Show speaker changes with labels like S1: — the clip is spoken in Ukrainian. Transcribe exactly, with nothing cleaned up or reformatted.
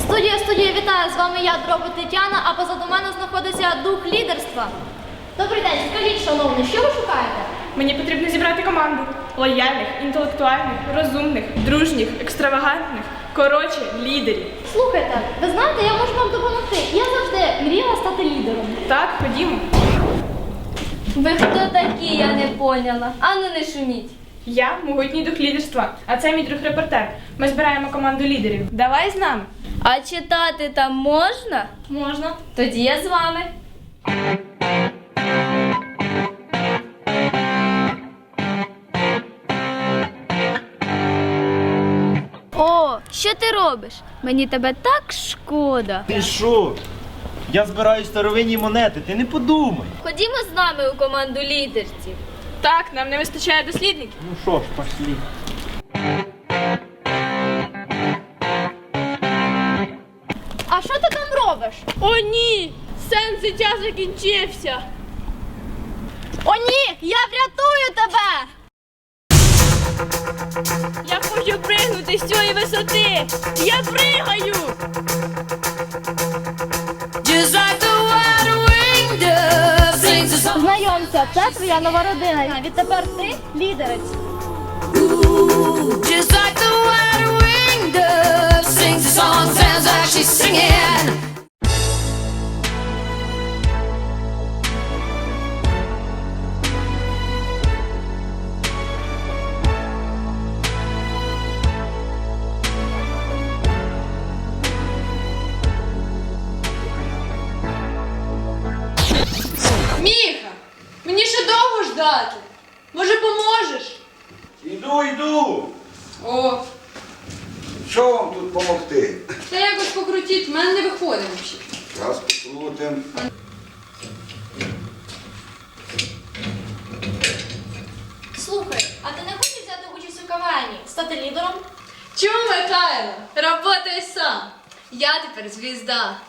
S1: Студія, студія, вітаю! З вами я, Дроби Тетяна, а позаду мене знаходиться дух лідерства. Добрий день, скажіть, шановний, що ви шукаєте?
S2: Мені потрібно зібрати команду лояльних, інтелектуальних, розумних, дружніх, екстравагантних, коротше, лідерів.
S1: Слухайте, ви знаєте, я можу вам допомогти. Я завжди мріяла стати лідером.
S2: Так, ходімо.
S1: Ви хто такі, я не поняла. Ану не шуміть.
S2: Я могутній дух лідерства, а це мій друг-репортер. Ми збираємо команду лідерів. Давай з нами.
S1: А читати там можна?
S2: Можна.
S1: Тоді я з вами. О, що ти робиш? Мені тебе так шкода.
S3: Ти що? Я збираю старовинні монети, ти не подумай.
S1: Ходімо з нами у команду лідерців.
S2: Так, нам не вистачає дослідників.
S3: Ну що ж, пошлі.
S1: А що ти там робиш?
S2: О, ні! Сенс життя закінчився.
S1: О, ні! Я врятую тебе!
S2: Я хочу пригнути з цієї висоти. Я пригаю!
S1: Знайомся, це твоя нова родина. Відтепер ти лідерець.
S4: Just like the wide winged dove sings a song, sounds like she's singing.
S5: Міха, мені ще довго ждати. Може, поможеш?
S6: Іду, йду.
S5: О,
S6: Що вам тут допомогти?
S5: та якось покрутіть, в мене не виходить взагалі.
S6: Зараз покрутим.
S1: Слухай, а ти не хочеш взяти участь у КВНі? Стати лідером?
S5: Чому, Михайло? Работай сам. Я тепер звізда.